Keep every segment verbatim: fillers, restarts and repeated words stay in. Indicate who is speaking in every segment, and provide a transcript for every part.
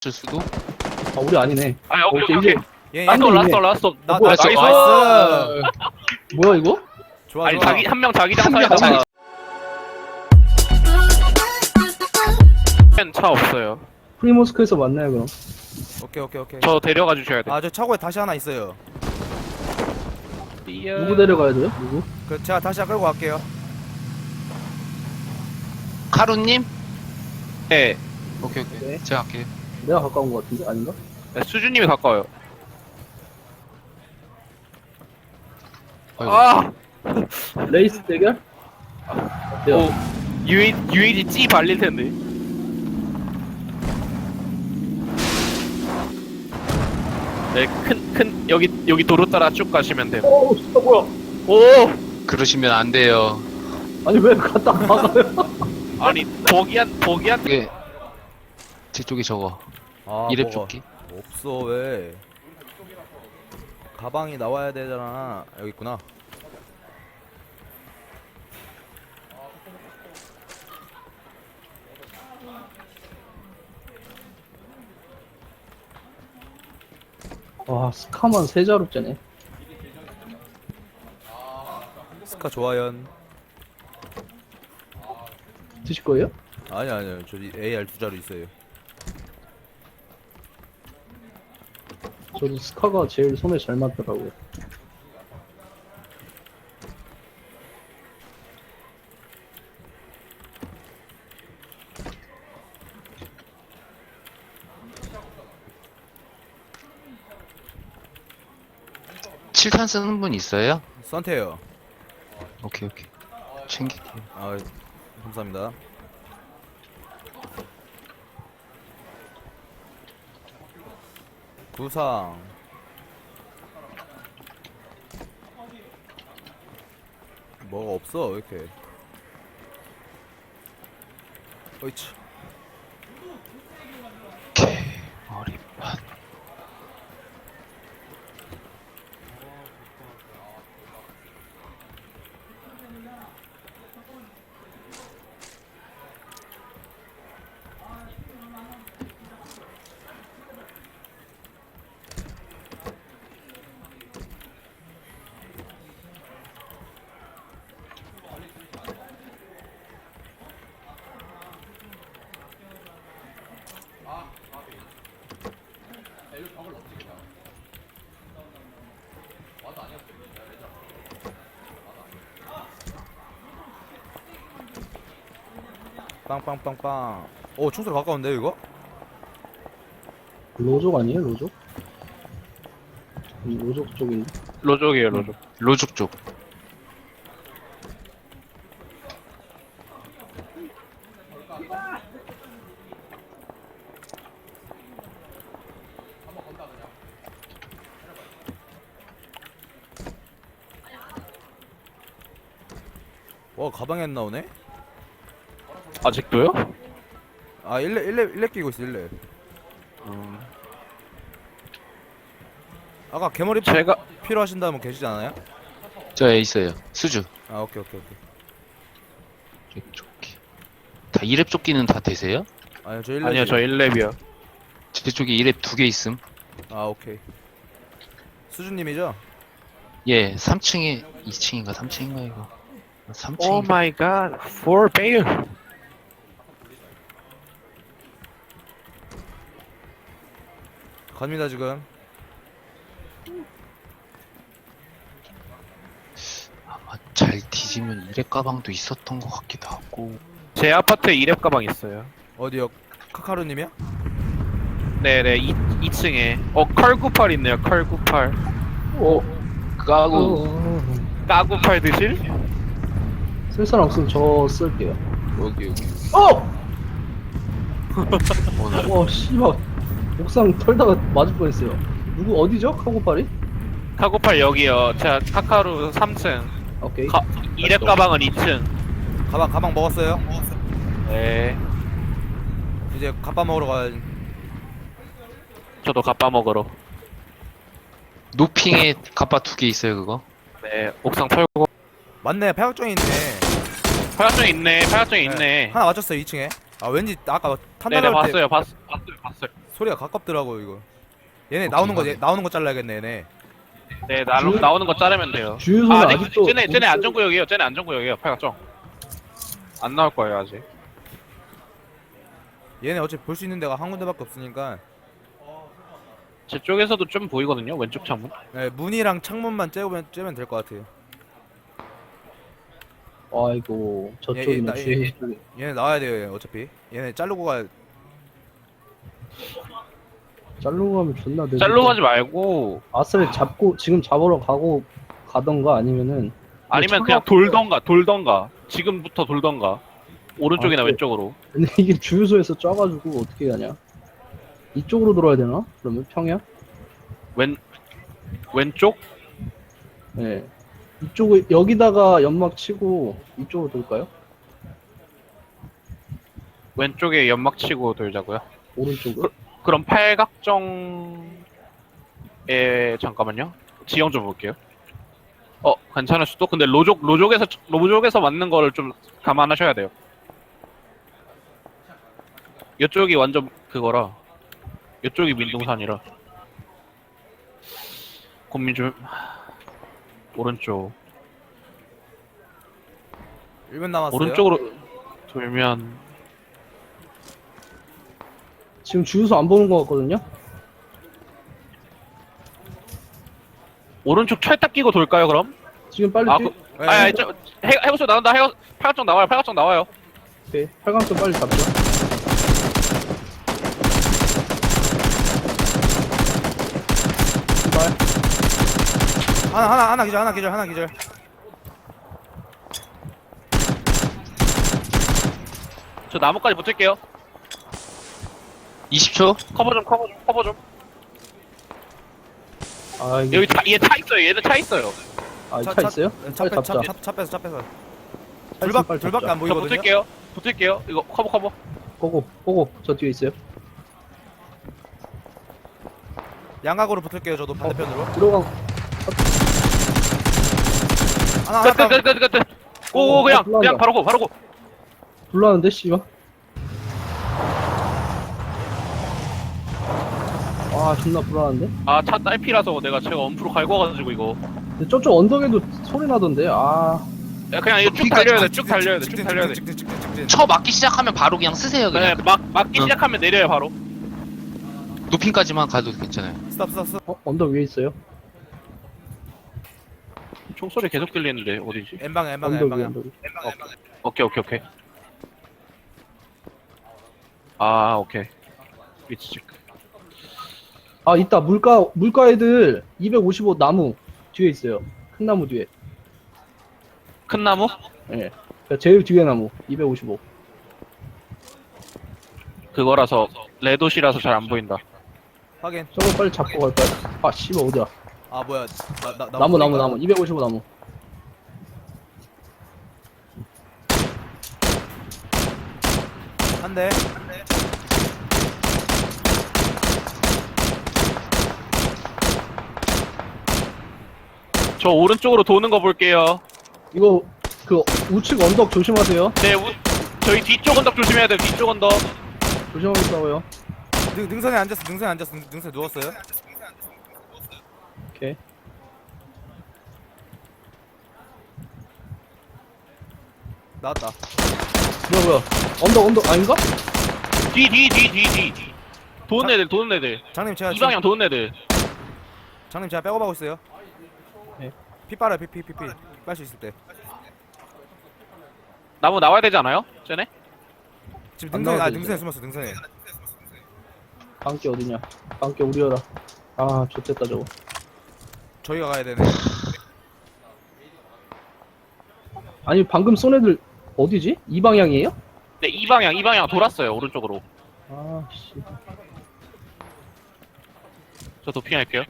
Speaker 1: 줄 수도?
Speaker 2: 아 우리 아니네.
Speaker 3: 아 오케이
Speaker 2: 오케이,
Speaker 3: 오케이
Speaker 2: 이제-
Speaker 4: 예, 예.
Speaker 3: 라스트
Speaker 2: 아니,
Speaker 3: 라스트
Speaker 2: 이네.
Speaker 3: 라스트
Speaker 4: 나,
Speaker 2: 뭐야,
Speaker 4: 나,
Speaker 3: 나이스.
Speaker 4: 나이스.
Speaker 2: 뭐야 이거?
Speaker 4: 좋아,
Speaker 3: 아니
Speaker 4: 좋아.
Speaker 3: 자기 한 명 자기장
Speaker 1: 한 명
Speaker 3: 사이다가 차 없어요.
Speaker 2: 프리모스크에서 만나요 그럼.
Speaker 4: 오케이, 오케이, 오케이.
Speaker 3: 저 데려가 주셔야 돼.
Speaker 4: 아, 저 차고에 다시 하나 있어요.
Speaker 2: 누구 데려가야 돼요? 누구?
Speaker 4: 그 제가 다시 끌고 갈게요.
Speaker 1: 카루님?
Speaker 3: 네.
Speaker 1: 오케이 오케이
Speaker 2: 네.
Speaker 1: 제가 할게요.
Speaker 2: 내가 가까운 거 같은데 아닌가?
Speaker 3: 네, 수준님이 가까워요.
Speaker 1: 아이고.
Speaker 3: 아,
Speaker 2: 레이스 대결? 어때요?
Speaker 3: 오, 유이 유이지 찌 발릴 텐데. 네, 큰 큰 여기 여기 도로 따라 쭉 가시면 돼요.
Speaker 2: 오 진짜 뭐야?
Speaker 3: 오,
Speaker 1: 그러시면 안 돼요.
Speaker 2: 아니 왜 갖다 박아요?
Speaker 3: 아니 보기한 보기한
Speaker 1: 이게 제 쪽이 저거
Speaker 4: 아,
Speaker 1: 이랩
Speaker 4: 뭐가
Speaker 1: 조끼.
Speaker 4: 없어, 왜? 가방이 나와야 되잖아. 여기 있구나.
Speaker 2: 와 스카만 세 자루째네.
Speaker 4: 스카 좋아연.
Speaker 2: 드실 거예요?
Speaker 4: 아니, 아니요. 저 에이알 두 자루 있어요.
Speaker 2: 저도 스카가 제일 손에 잘 맞더라고요.
Speaker 1: 칠탄 쓰는 분 있어요?
Speaker 4: 선태요.
Speaker 1: 오케이 오케이 챙길게요.
Speaker 4: 아, 감사합니다. 구상. 뭐가 없어, 왜 이렇게. 어이치.
Speaker 1: 오케이 머리판.
Speaker 4: 빵빵빵빵. 오, 충소 가까운데, 이거?
Speaker 2: 로족 아니에요 로족? 이 로족 쪽인데.
Speaker 3: 로족이에요 로족.
Speaker 1: 로죽 쪽.
Speaker 4: 와, 가방에 안 나오네?
Speaker 3: 아직도요?
Speaker 4: 아, 일 렙, 일 렙, 일 렙 끼고 있어, 일 렙.
Speaker 3: 음,
Speaker 4: 아까 개머리
Speaker 3: 제가
Speaker 4: 필요하신다면 계시지 않아요?
Speaker 1: 저에 있어요. 수주.
Speaker 4: 아, 오케이, 오케이, 오케이.
Speaker 1: 이랩 조끼. 다 이랩 조끼는 다 되세요?
Speaker 4: 아니요, 저 일 렙.
Speaker 3: 아니요 저 일 렙이요.
Speaker 1: 제 쪽에 이랩 두 개 있음.
Speaker 4: 아, 오케이. 수준님이죠?
Speaker 1: 예, 삼 층에 이 층인가 삼 층인가 이거. 삼 층.
Speaker 3: 오 마이 갓, four bail.
Speaker 4: 갑니다, 지금.
Speaker 1: 아마 잘 뒤지면 이랩 가방도 있었던 것 같기도 하고.
Speaker 3: 제 아파트에 이 렙 가방 있어요.
Speaker 4: 어디요? 카카루님이야?
Speaker 3: 네네, 이, 이 층에. 어, 컬 구십팔 있네요, 컬 구십팔.
Speaker 2: 오.
Speaker 1: 까고
Speaker 2: 어.
Speaker 3: 까구팔 드실?
Speaker 2: 쓸 사람 없으면 저 쓸게요.
Speaker 1: 여기 여기.
Speaker 2: 어!
Speaker 1: 오늘
Speaker 2: 와 씨발 옥상 털다가 맞을 뻔했어요. 누구 어디죠? 카고파리?
Speaker 3: 카구팔 여기요. 제가 카카루 삼 층.
Speaker 2: 오케이.
Speaker 3: 가, 이 렙 가방은 이 층.
Speaker 4: 가방, 가방 먹었어요?
Speaker 3: 네.
Speaker 4: 이제 갑밥 먹으러 가야지.
Speaker 3: 저도 갑바 먹으러.
Speaker 1: 노핑에 갑바 두 개 있어요 그거.
Speaker 3: 네, 옥상 털고.
Speaker 4: 맞네, 팔각정이 있네.
Speaker 3: 팔각정 있네, 팔각정 있네.
Speaker 4: 하나 맞췄어요, 이 층에. 아, 왠지 아까 탄
Speaker 3: 네네,
Speaker 4: 날라올 때
Speaker 3: 봤어요, 봤, 봤어요, 봤어요.
Speaker 4: 소리가 가깝더라고 이거. 얘네 나오는 거 얘, 나오는 거 잘라야겠네 얘네.
Speaker 3: 네 나,
Speaker 2: 주-
Speaker 3: 나오는 거 자르면 돼요.
Speaker 2: 주유소는
Speaker 3: 아,
Speaker 2: 아,
Speaker 3: 네,
Speaker 2: 직도
Speaker 3: 쟤네 쟤네 안전구역이에요. 쟤네 안전구역이에요. 팔각정. 안 나올 거예요 아직.
Speaker 4: 얘네 어차피 볼 수 있는 데가 한 군데밖에 없으니까.
Speaker 3: 제 쪽에서도 좀 보이거든요. 왼쪽 창문.
Speaker 4: 네, 문이랑 창문만 째면 째면 될 것 같아요.
Speaker 2: 아이고
Speaker 4: 예,
Speaker 2: 저쪽이네
Speaker 4: 나-
Speaker 2: 주유소
Speaker 4: 예,
Speaker 2: 쪽에.
Speaker 4: 얘네 나와야 돼요 얘 어차피. 얘네 자르고 가.
Speaker 2: 짤로 가면 존나 늦어.
Speaker 3: 짤로 가지 말고
Speaker 2: 아스를 잡고 지금 잡으러 가고 가던가 아니면은
Speaker 3: 아니면
Speaker 2: 차가
Speaker 3: 그냥 돌던가 돌던가 지금부터 돌던가 오른쪽이나
Speaker 2: 아,
Speaker 3: 왼쪽으로.
Speaker 2: 근데 이게 주유소에서 쪄가지고 어떻게 가냐? 이쪽으로 돌아야 되나? 그러면 평야?
Speaker 3: 왼 왼쪽?
Speaker 2: 네. 이쪽을 여기다가 연막 치고 이쪽으로 돌까요?
Speaker 3: 왼쪽에 연막 치고 돌자고요.
Speaker 2: 오른쪽으로?
Speaker 3: 그럼 팔각정에 잠깐만요. 지형 좀 볼게요. 어 괜찮을 수도. 근데 로족 로족에서 로족에서 맞는 거를 좀 감안하셔야 돼요. 이쪽이 완전 그거라. 이쪽이 민둥산이라. 고민 좀. 오른쪽.
Speaker 4: 일 분 남았어요.
Speaker 3: 오른쪽으로 돌면
Speaker 2: 지금 주유소 안 보는 것 같거든요?
Speaker 3: 오른쪽 철딱 끼고 돌까요 그럼?
Speaker 2: 지금 빨리
Speaker 3: 아,
Speaker 2: 뛰...
Speaker 3: 그,
Speaker 4: 네.
Speaker 3: 아니, 아니, 저, 해, 해보쇼 나온다. 해, 팔각정 나와요. 팔각정 나와요.
Speaker 2: 오케이. 팔강점 빨리 잡죠. 출발.
Speaker 4: 하나 하나 하나 기절 하나 기절 하나 기절.
Speaker 3: 저 나무까지 붙을게요.
Speaker 1: 이십 초?
Speaker 3: 커버 좀, 커버 좀, 커버 좀.
Speaker 2: 아, 이게
Speaker 3: 여기 차, 얘 차 있어요. 얘는 차 있어요.
Speaker 2: 아, 차, 있어요?
Speaker 4: 차,
Speaker 2: 빨리
Speaker 4: 차,
Speaker 2: 잡자.
Speaker 4: 차, 차 빼서 차 빼서.
Speaker 2: 차 있으면
Speaker 4: 둘밖
Speaker 2: 빨리
Speaker 4: 둘밖에
Speaker 2: 잡자.
Speaker 4: 안
Speaker 3: 저
Speaker 4: 보이거든요.
Speaker 3: 붙을게요. 붙을게요. 이거 커버, 커버.
Speaker 2: 고고, 고고. 저 뒤에 있어요.
Speaker 4: 양각으로 붙을게요 저도 반대편으로.
Speaker 2: 들어가.
Speaker 4: 하나 하나
Speaker 3: 끝, 끝,
Speaker 4: 딱.
Speaker 3: 끝, 끝, 끝, 끝. 오,
Speaker 2: 어,
Speaker 3: 그냥,
Speaker 2: 어, 불난다.
Speaker 3: 그냥 바로 고, 바로 고.
Speaker 2: 불나는데, 씨발. 아, 존나 불안한데?
Speaker 3: 아, 차 딸피라서 내가 제가 엄프로 갈고 와가지고 이거.
Speaker 2: 근데 저쪽 언덕에도 소리 나던데, 아.
Speaker 3: 야, 그냥 이거 쭉 달려야 돼. 쭉 달려야 돼. 쭉 달려야 돼.
Speaker 4: 직진 직진 직진.
Speaker 1: 쳐 맞기 시작하면 바로 그냥 쓰세요
Speaker 3: 네,
Speaker 1: 그냥.
Speaker 3: 막, 막기
Speaker 1: 응.
Speaker 3: 시작하면 내려요, 바로.
Speaker 1: 높임까지만 가도 괜찮아요.
Speaker 4: 스탑 스탑 스탑.
Speaker 2: 어, 언덕 위에 있어요?
Speaker 3: 총소리 계속 들리는데, 어디지?
Speaker 4: N방 N방
Speaker 2: 언덕 위에,
Speaker 4: N방.
Speaker 2: 언덕 위에.
Speaker 3: 오케이, 오케이, 오케이. 아, 오케이. 위치 체크.
Speaker 2: 아, 있다. 물가, 물가 애들 이백오십오 나무 뒤에 있어요. 큰 나무 뒤에.
Speaker 3: 큰 나무?
Speaker 2: 예. 네. 제일 뒤에 나무. 이백오십오.
Speaker 3: 그거라서, 레도시라서 잘 안 보인다.
Speaker 4: 확인.
Speaker 2: 저거 빨리 잡고 갈까요? 아, 씨발, 어디야.
Speaker 4: 아 뭐야. 나, 나, 나
Speaker 2: 나무, 나무,
Speaker 4: 보니까.
Speaker 2: 나무. 이백오십오 나무.
Speaker 4: 한 대.
Speaker 3: 저 오른쪽으로 도는 거 볼게요.
Speaker 2: 이거, 그, 우측 언덕 조심하세요.
Speaker 3: 네, 우, 저희 뒤쪽 언덕 조심해야 돼요. 뒤쪽 언덕.
Speaker 2: 조심하게 싸워요.
Speaker 4: 능, 능선에 앉았어. 능선에 앉았어. 능- 능선에 누웠어요.
Speaker 2: 오케이.
Speaker 4: 나왔다.
Speaker 2: 뭐야, 뭐야. 언덕, 언덕, 아닌가?
Speaker 3: 뒤, 뒤, 뒤, 뒤, 뒤. 도는 애들, 도는 애들.
Speaker 4: 장님 제가
Speaker 3: 이 방향 도는 애들.
Speaker 4: 장님 제가 백업하고 있어요.
Speaker 2: 네.
Speaker 4: 피 빨아요. 피 피 피 피. 빨 수 있을 때.
Speaker 3: 나무 나와야 되지 않아요? 쟤네?
Speaker 4: 지금
Speaker 2: 안
Speaker 4: 능선에 아
Speaker 2: 나와도
Speaker 4: 능선에
Speaker 2: 되죠.
Speaker 4: 숨었어. 능선에.
Speaker 2: 방귀 어디냐. 방귀 우리여라. 아, 좋됐다, 저거.
Speaker 4: 저희가 가야 되네.
Speaker 2: 아니, 방금 쏜 애들 어디지? 이 방향이에요?
Speaker 3: 네, 이 방향, 이 방향 돌았어요. 오른쪽으로.
Speaker 2: 아, 씨.
Speaker 3: 저 도핑할게요.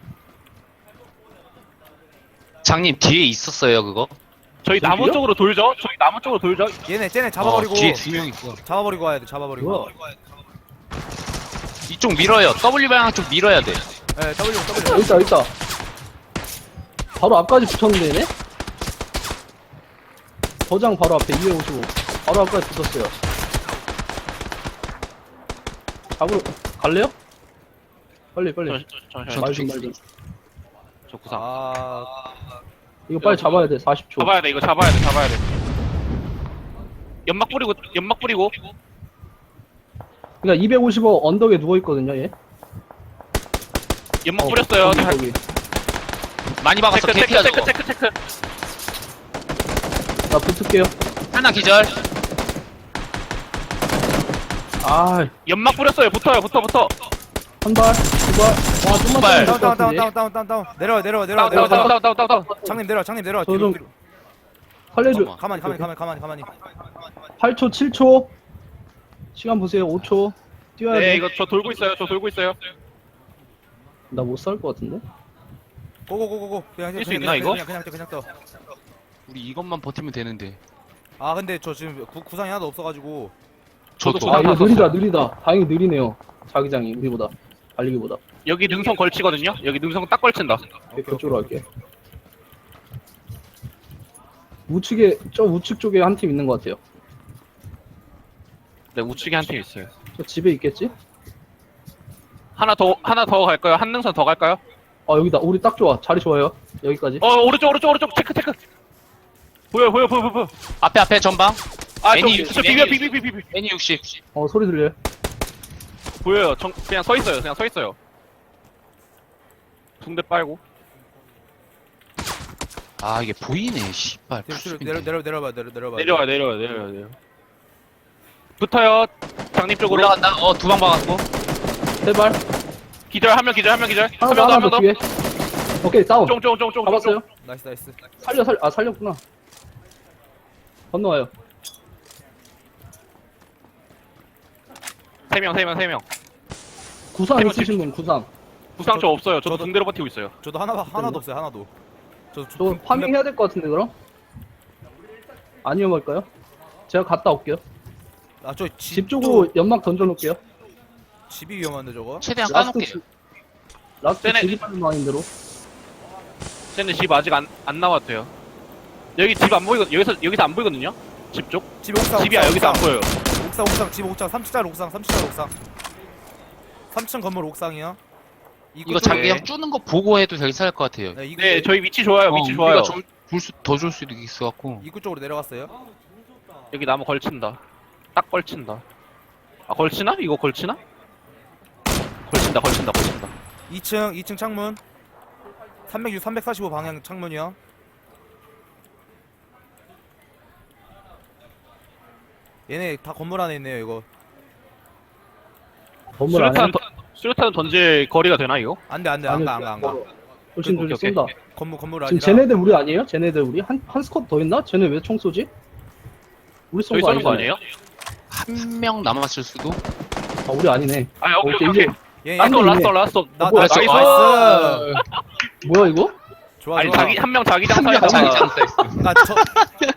Speaker 1: 장님 뒤에 있었어요 그거?
Speaker 3: 저희 나무
Speaker 2: 저기요?
Speaker 3: 쪽으로 돌죠? 저희 나무 쪽으로 돌죠?
Speaker 4: 얘네 쟤네 잡아버리고
Speaker 1: 어, 뒤에 두 명 있어.
Speaker 4: 잡아버리고 와야 돼. 잡아버리고.
Speaker 2: 뭐야?
Speaker 1: 이쪽 밀어요. W 방향 쪽 밀어야 돼.
Speaker 4: 네, W W.
Speaker 2: 여기 있다, 여기 있다. 바로 앞까지 붙었는데, 얘네? 저장 바로 앞에 이백오십오. 바로 앞까지 붙었어요. 잡으러, 갈래요? 빨리 빨리.
Speaker 3: 저, 저, 저, 저,
Speaker 2: 말 좀 말 좀.
Speaker 3: 저 구상.
Speaker 4: 아
Speaker 2: 이거 빨리 잡아야 돼. 사십 초.
Speaker 3: 잡아야 돼, 이거 잡아야 돼, 잡아야 돼. 연막 뿌리고, 연막 뿌리고.
Speaker 2: 그러니까 이백오십오 언덕에 누워 있거든요, 얘.
Speaker 3: 연막 뿌렸어요.
Speaker 2: 거기, 거기.
Speaker 1: 많이 박았어.
Speaker 3: 체크, 체크,
Speaker 1: 개피야
Speaker 3: 체크,
Speaker 1: 저거.
Speaker 3: 체크, 체크.
Speaker 2: 나 붙을게요.
Speaker 1: 하나 기절.
Speaker 2: 아,
Speaker 3: 연막 뿌렸어요. 붙어요, 붙어, 붙어.
Speaker 2: 한 발, 두 발. 와, 좀만
Speaker 1: 발.
Speaker 2: 더
Speaker 4: 다운 다운 다운 다운 다운 다운 내려와 내려와 내려와
Speaker 3: 다운, 다운,
Speaker 4: 내려와
Speaker 3: 다운, 다운, 다운, 다운, 다운.
Speaker 4: 장님 내려와 장님 내려와
Speaker 2: 저
Speaker 4: 뒤로
Speaker 2: 좀-
Speaker 4: 뒤로
Speaker 2: 살려줘.
Speaker 1: 잠깐만.
Speaker 4: 가만히 가만히 가만히 가만히 가만히
Speaker 2: 팔 초, 칠 초. 시간 보세요. 오 초. 뛰어야
Speaker 3: 네,
Speaker 2: 돼.
Speaker 3: 이거 저 돌고 있어요. 저 돌고 있어요.
Speaker 2: 나 못 살 것 같은데?
Speaker 4: 고고고고고 그냥
Speaker 3: 뛸수
Speaker 4: 그냥
Speaker 3: 있나,
Speaker 4: 그냥,
Speaker 3: 이거?
Speaker 4: 그냥 그냥 그냥 떠.
Speaker 1: 우리 이것만 버티면 되는데.
Speaker 4: 아 근데 저 지금 구, 구상이 하나도 없어가지고
Speaker 1: 저도
Speaker 3: 저도
Speaker 2: 아, 이거
Speaker 3: 다
Speaker 2: 느리다, 느리다. 다행히 느리네요. 자기장이, 우리보다. 달리기보다.
Speaker 3: 여기 능선 걸치거든요. 여기 능선 딱 걸친다.
Speaker 2: 오케이, 그쪽으로 할게. 우측에, 저 우측 쪽에 한 팀 있는 것 같아요.
Speaker 3: 네, 우측에 한 팀 있어요.
Speaker 2: 저 집에 있겠지?
Speaker 3: 하나 더, 하나 더 갈까요? 한 능선 더 갈까요?
Speaker 2: 아, 여기다. 우리 딱 좋아. 자리 좋아요. 여기까지.
Speaker 3: 어, 오른쪽, 오른쪽, 오른쪽. 체크, 체크. 보여, 보여, 보여, 보여, 보여.
Speaker 1: 앞에 앞에 전방.
Speaker 3: 아, 저,
Speaker 1: 애니
Speaker 3: 저
Speaker 1: 육십,
Speaker 3: 비벼,
Speaker 1: 애니
Speaker 3: 비벼, 비벼, 비벼.
Speaker 1: 애니 육십.
Speaker 2: 어, 소리 들려요?
Speaker 3: 보여요. 정, 그냥 서 있어요. 그냥 서 있어요. 붕대 빨고.
Speaker 1: 아 이게 보이네. 씨발.
Speaker 4: 뒤로 뒤로
Speaker 1: 풀숲인데.
Speaker 4: 내려 내려 내려봐 내려 내려봐
Speaker 3: 내려와, 내려와, 내려와, 내려와. 붙어요. 장님 쪽으로.
Speaker 1: 올라간다. 어 두 방 박았고.
Speaker 2: 세 발.
Speaker 3: 기절, 한 명 기절, 한 명 기절.
Speaker 2: 하나
Speaker 3: 한
Speaker 2: 더,
Speaker 3: 명 더,
Speaker 2: 하나
Speaker 3: 한 명
Speaker 2: 더
Speaker 3: 더.
Speaker 2: 뒤에. 오케이, 다운.
Speaker 3: 쫑, 쫑, 쫑, 쫑.
Speaker 2: 잡았어요?
Speaker 4: 나이스 나이스
Speaker 2: 살려, 살, 아, 살렸구나. 건너와요.
Speaker 3: 세 명, 세 명, 세 명.
Speaker 2: 구상
Speaker 3: 해본
Speaker 2: 있으신 분, 구상.
Speaker 3: 부상 저 없어요. 저도
Speaker 4: 저도-
Speaker 3: 붕대로 버티고 있어요.
Speaker 4: 저도 하나 하나도 없어요 하나도 저, 저,
Speaker 2: 저
Speaker 4: 군-
Speaker 2: 파밍 해야 될 것 같은데, 그럼? 안 위험할까요? 제가 갔다 올게요.
Speaker 4: 아, 저
Speaker 2: 집
Speaker 4: 집
Speaker 2: 쪽으로 연막 던져놓을게요.
Speaker 4: 집이 위험한데 저거
Speaker 1: 최대한
Speaker 2: 라스트,
Speaker 1: 까놓게.
Speaker 2: 집- 라스트
Speaker 3: 쟤네-
Speaker 2: 집이 빠진 마인 대로.
Speaker 3: 쟤네 집 아직 안, 안 나왔대요. 여기 집 안 보이거 여기서 여기서 안 보이거든요. 집 쪽.
Speaker 4: 집 옥상
Speaker 3: 집이야
Speaker 4: 옥상,
Speaker 3: 여기서 안
Speaker 4: 옥상.
Speaker 3: 보여요.
Speaker 4: 옥상 옥상 집 옥상 삼 층짜리 옥상 삼 층짜리 옥상 삼 층 건물 옥상이요 입구
Speaker 1: 이거
Speaker 4: 쪽에-
Speaker 1: 자기장 쪼는 거 보고 해도 괜찮을 것 같아요.
Speaker 4: 네, 입구,
Speaker 3: 네, 저희 위치 좋아요. 위치 좋아요.
Speaker 1: 더 줄 수도 있을 것 같고.
Speaker 4: 입구 쪽으로 내려갔어요
Speaker 3: 여기 나무 걸친다. 딱 걸친다. 아 걸치나? 이거 걸치나? 걸친다, 걸친다, 걸친다.
Speaker 4: 이 층 이 층 창문 삼백육 삼백사십오 방향 창문이요 얘네 다 건물 안에 있네요 이거
Speaker 2: 건물 안에.
Speaker 3: 수류탄, 던- 수류탄 던질 거리가 되나 이거?
Speaker 4: 안돼 안돼 안가 안가 안가
Speaker 2: 조심,
Speaker 3: 오케이,
Speaker 2: 조심,
Speaker 3: 오케이.
Speaker 2: 쏜다.
Speaker 4: 건물 건물
Speaker 2: 지금
Speaker 4: 아니라
Speaker 2: 쟤네들 우리 아니에요? 쟤네들 우리? 한, 한 스쿼드 더 있나? 쟤네 왜 총 쏘지? 우리 쏜
Speaker 3: 저희
Speaker 2: 거
Speaker 3: 쏘는 거
Speaker 2: 아니잖아요.
Speaker 3: 아니에요?
Speaker 1: 한 명 남았을 수도.
Speaker 2: 아, 우리 아니네.
Speaker 3: 아 오케이
Speaker 2: 오케이,
Speaker 3: 오케이.
Speaker 2: 이제-
Speaker 3: 오케이.
Speaker 4: 얘
Speaker 3: 라스트
Speaker 2: 딴데
Speaker 3: 라스트
Speaker 2: 있네.
Speaker 3: 라스트.
Speaker 4: 나
Speaker 2: 뭐야,
Speaker 4: 나이스
Speaker 3: 나이스.
Speaker 2: 뭐야, 이거?
Speaker 4: 좋아
Speaker 3: 아니
Speaker 4: 좋아
Speaker 3: 자기 한 명 자기장
Speaker 2: 한 명
Speaker 3: 사이다.
Speaker 2: 자기장.
Speaker 1: 사이즈.
Speaker 4: 나저